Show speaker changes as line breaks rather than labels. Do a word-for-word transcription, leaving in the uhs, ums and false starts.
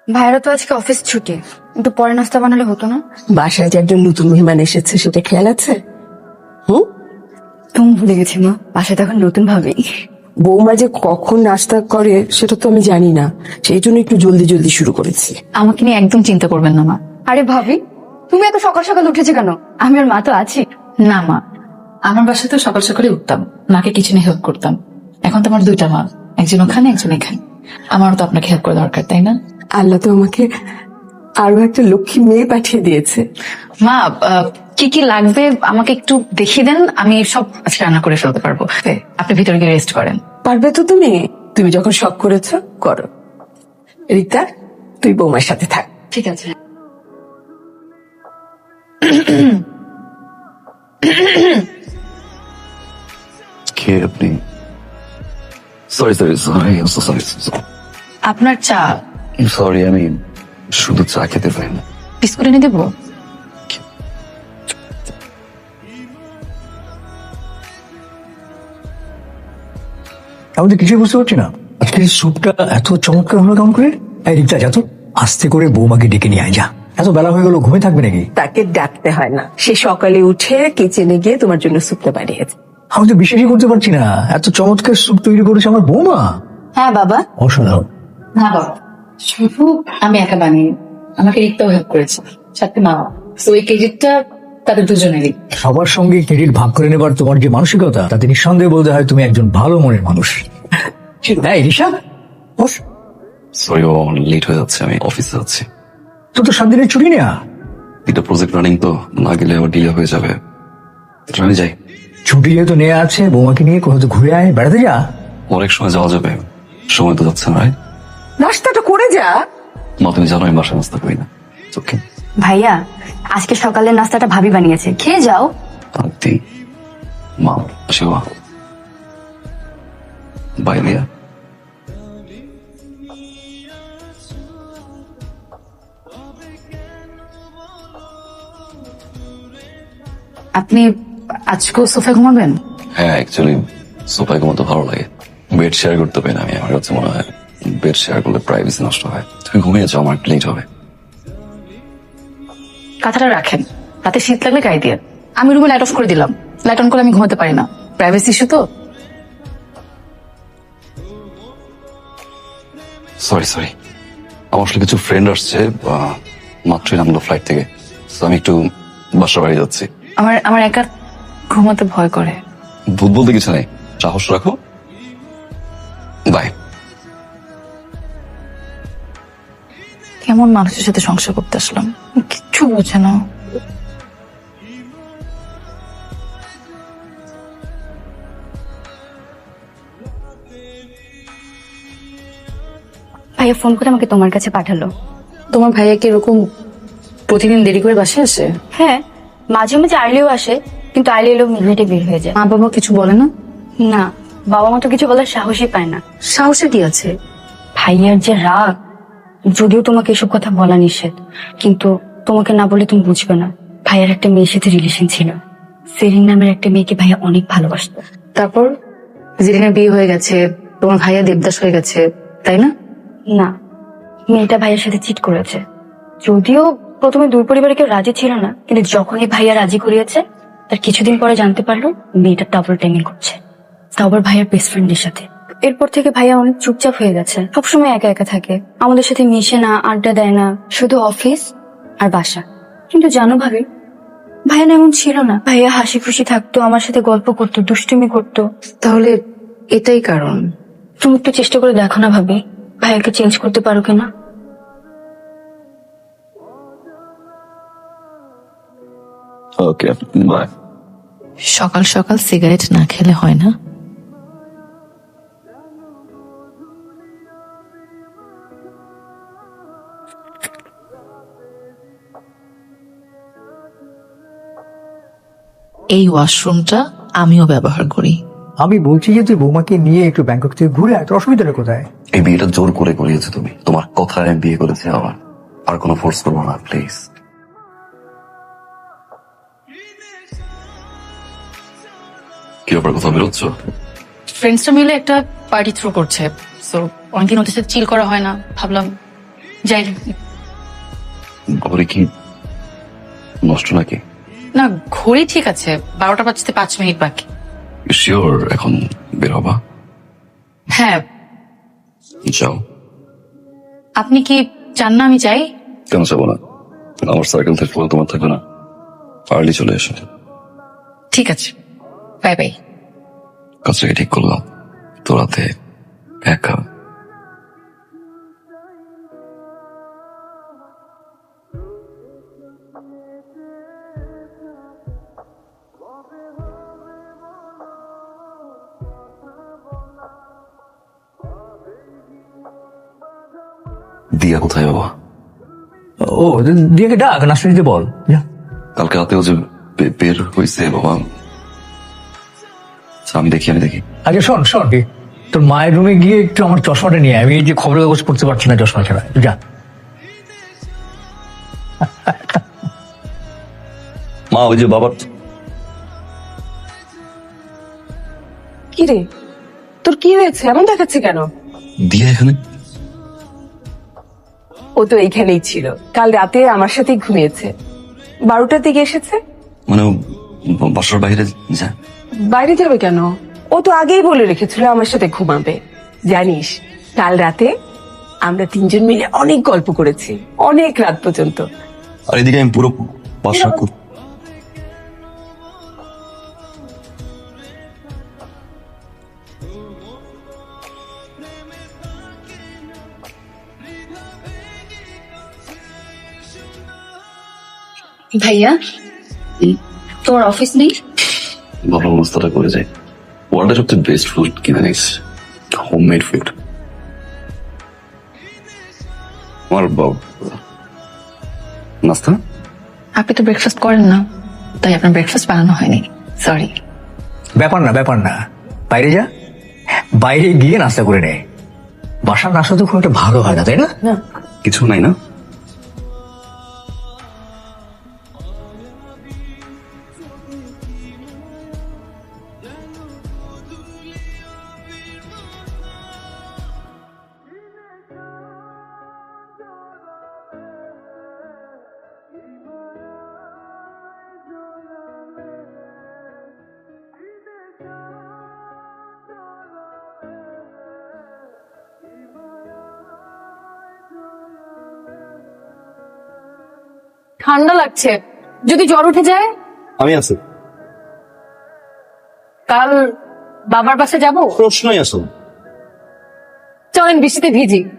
ভাইরা তো আজকে অফিস ছুটি, একটু পরে নাস্তা বানালে হতো না?
বাসায় যে একজন নতুন মেহমান এসেছে সেটা খেয়াল আছে? হুম,
তুমি ভুলে গেছি মা, বাসায় তখন নতুন ভাবি।
বৌমা যে কখন নাস্তা করে সেটা তো আমি জানি না, সেই জন্য একটু জলদি জলদি শুরু করেছি।
আমাকে নিয়ে একদম চিন্তা করবেন না মা।
আরে ভাবি, তুমি এত সকাল সকাল উঠেছে কেন? আমি আর মা তো আছি।
না মা, আমার বাসায় তো সকাল সকালে উঠতাম, মাকে কিচেনে হেল্প করতাম। এখন তো আমার দুইটা মা, একজন ওখানে একজন এখানে। আমারও তো আপনাকে হেল্প করা দরকার, তাই না?
আল্লাহ তো আমাকে আরো একটা লক্ষ্মী মেয়ে পাঠিয়ে দিয়েছে।
মা, আহ, কি কি লাগবে আমাকে একটু দেখিয়ে দেন, আমি সব আজকে রান্না করে ফেলতে পারবো। আপনি ভিতরে গিয়ে রেস্ট করেন।
পারবে তো তুমি? তুমি যখন শখ করেছো করো। রিতা, তুই বৌমার সাথে থাক।
ঠিক আছে।
কে আপনি? সরি সরি সরি সরি
আপনার চা।
সরি, আমি শুধু চা খেতে পাই না।
বিস্কুট এনে দেবো?
আমি তো কিছুই বুঝতে পারছি না, আজকে স্যুপটা এত চমৎকার হলো কেমন করে? এই রিক্তা, যা তো আস্তে করে বৌমাকে ডেকে নিয়ে আয়, যা। এত বেলা হয়ে গেল, ঘুমিয়ে থাকবে নাকি?
তাকে ডাকতে হয় না, সে সকালে উঠে কিচেনে গিয়ে তোমার জন্য স্যুপটা বানিয়েছে।
আমি তো বিশ্বাসই করতে পারছি না, এত চমৎকার স্যুপ তৈরি করেছে আমার বৌমা।
হ্যাঁ বাবা।
অসাধারণ।
না বাবা, শুধু আমি একা বানিয়ে, আমাকে রিক্তাও হেল্প করেছে, সাথে মা। তো এই ক্রেডিটটা তাদের দুজনেরই।
সবার সঙ্গে ক্রেডিট ভাগ করে নেবার তোমার যে মানসিকতা, তাতে নিঃসন্দেহে বলতে হয় তুমি একজন ভালো মনের মানুষ। এই রিশা, বস।
সরি, ও লেট হয়ে যাচ্ছে, আমি অফিসে যাচ্ছি।
তোর তো সাত দিনের ছুটি নেয়া।
এটা প্রজেক্ট রানিং তো, না গেলে আবার ডিলে হয়ে যাবে। আমি যাই।
ছুটি যেহেতু নেওয়া আছে, বৌমাকে নিয়ে কোথাও তো ঘুরে আয়, বেড়াতে যা।
অনেক সময় যাওয়া যাবে, সময় তো যাচ্ছে না।
নাস্তাটা করে যা।
মা, তুমি জানো আমি বাসায় নাস্তা করি না। ওকে
ভাইয়া, আজকে সকালের নাস্তাটা ভাবি বানিয়েছে, খেয়ে যাও।
আন্টি, মা, শিবা, বাই লিয়া।
আপনি আজকেও সোফায় ঘুমাবেন?
হ্যাঁ, অ্যাকচুয়ালি সোফায় ঘুমাতে ভালো লাগে। বেড শেয়ার করতে পারি না আমি, আমার কাছে মনে হয় বেড শেয়ার করলে প্রাইভেসি নষ্ট হয়। তুমি ঘুমিয়ে যাও, আমার লেট হবে।
কথাটা রাখেন, রাতে শীত লাগলে গায়ে দিয়ে। আমি রুমে লাইট অফ করে দিলাম, লাইট অন করলে আমি ঘুমাতে পারি না, প্রাইভেসি ইস্যু তো।
সরি সরি, আমার আসলে কিছু ফ্রেন্ড আসছে, আহ, মাত্রই নামলো ফ্লাইট থেকে। So, আমি একটু বাসা বাড়ি যাচ্ছি।
আমার আমার একা ঘুমাতে ভয় করে।
ভূত বলতে কিছু নেই, সাহস রাখো। বাই।
কেমন মানুষের সাথে সংসার করতে আসলাম, কিচ্ছু বোঝে না।
ভাইয়া ফোন করে আমাকে তোমার কাছে পাঠালো।
তোমার ভাইয়া কি এরকম প্রতিদিন দেরি করে বাসায় আসে?
হ্যাঁ, মাঝে মাঝে আর্লিও আসে, কিন্তু আর্লি এলেও মিডনাইটে বের হয়ে যায়।
মা বাবা কিছু বলে না?
না, বাবা মা তো কিছু বলার সাহসই পায় না।
সাহসে কি আছে?
ভাইয়ার যে রাগ, যদিও তোমাকে এসব কথা বলা নিষেধ, কিন্তু তোমাকে না বলে তুমি বুঝবে না। ভাইয়ার একটা মেয়ের সাথে রিলেশন ছিল, সেরিন নামের একটা মেয়েকে ভাইয়া অনেক ভালোবাসতো।
তারপর জেরিনার বিয়ে হয়ে গেছে, তোমার ভাইয়া দেবদাস হয়ে গেছে, তাই না?
না, মেয়েটা ভাইয়ার সাথে চিট করেছে। যদিও প্রথমে দুই পরিবারে কেউ রাজি ছিল না, কিন্তু যখনই ভাইয়া রাজি করিয়েছে, তার কিছুদিন পরে জানতে পারলো মেয়েটা ডাবল টাইমিং করছে, তাও আবার ভাইয়ার বেস্ট ফ্রেন্ডের সাথে। এরপর থেকে ভাইয়া অনেক চুপচাপ হয়ে গেছে, সবসময় একা একা থাকে, আমাদের সাথে মিশে না, আড্ডা দেয় না, শুধু অফিস আর বাসা। কিন্তু জানো ভাবি, ভাইয়া না এমন ছিল না। ভাইয়া হাসি খুশি থাকতো, আমার সাথে গল্প করতো, দুষ্টুমি করতো।
তাহলে এটাই কারণ?
তুমি একটু চেষ্টা করে দেখো না ভাবি, ভাইয়াকে চেঞ্জ করতে পারো কিনা।
Okay, bye.
সকাল সকাল সিগারেট না খেলে হয় না? এই ওয়াশরুমটা আমিও ব্যবহার করি।
আমি বলছি যে তুই বৌমাকে নিয়ে একটু ব্যাংকক থেকে ঘুরে আয়, তোর অসুবিধাটা কোথায়?
এই বিয়েটা জোর করে করিয়েছো তুমি, তোমার কথায় আমি বিয়ে করেছি। আবার আর কোনো ফোর্স করবো না প্লিজ। কি ব্যাপার, কোথাও বেরোচ্ছ?
ফ্রেন্ডসরা মিলে একটা পার্টি থ্রো করছে, সো অনেকদিন ওদের সাথে চিল করা হয় না, ভাবলাম যাই।
ঘরে কি নষ্ট নাকি?
না, ঘড়ি ঠিক আছে, বারোটা বাজতে পাঁচ মিনিট বাকি।
শিওর এখন বের হবা?
হ্যাঁ,
যাও।
আপনি কি চান না আমি যাই?
কেন যাবো না? আমার সার্কেল থাকবে তোমার থাকবে না? আর্লি চলে এসো।
ঠিক আছে, বাই বাই।
কাজটাকে ঠিক করলাম তো রাতে একা। দিয়া কোথায় বাবা?
ও দিয়াকে ডাক, নাস্তা দিতে বল। যা।
কালকে রাতেও যে বে- বের হয়েছে বাবা। আচ্ছা, আমি দেখি আমি দেখি
আচ্ছা শোন শোন কি, তোর মায়ের রুমে গিয়ে একটু আমার চশমাটা নিয়ে আয়। আমি এই যে খবরের কাগজ পড়তে পারছি না চশমা ছাড়া। যা।
মা, ওই যে বাবার
কি রে, তোর কি হয়েছে? এমন দেখাচ্ছে কেন?
দিয়া এখানে।
ও তো এইখানেই ছিল, কাল রাতে আমার সাথেই ঘুমিয়েছে। বারোটার দিকে এসেছে।
মানে ও বা- বাসার বাইরে যা।
বাইরে যাবে কেন? ও তো আগেই বলে রেখেছিল আমার সাথে ঘুমাবে। জানিস, কাল রাতে আমরা তিনজন মিলে অনেক গল্প করেছি, অনেক রাত পর্যন্ত।
আর এদিকে আমি পুরো বাসা কর-
ভাইয়া, তোমার অফিস নেই?
ভালো অবস্থাটা করে যাই। ওয়ার্ল্ডের সবচেয়ে বেস্ট ফুড কিনে নিস, হোমমেড ফুড। আমার বাব- নাস্তা
আপনি তো ব্রেকফাস্ট করেন না, তাই আপনার ব্রেকফাস্ট বানানো হয়নি, সরি।
ব্যাপার না ব্যাপার না, বাইরে যা, বাইরে গিয়ে নাস্তা করে নে। বাসার নাস্তা তো খুব একটা ভালো হয় না, তাই না?
কিছু নাই না?
ঠান্ডা লাগছে, যদি জ্বর উঠে যায়?
আমি আছি,
কাল বাবার বাসে যাব,
প্রশ্নই আসো।
চলেন বৃষ্টিতে ভিজি।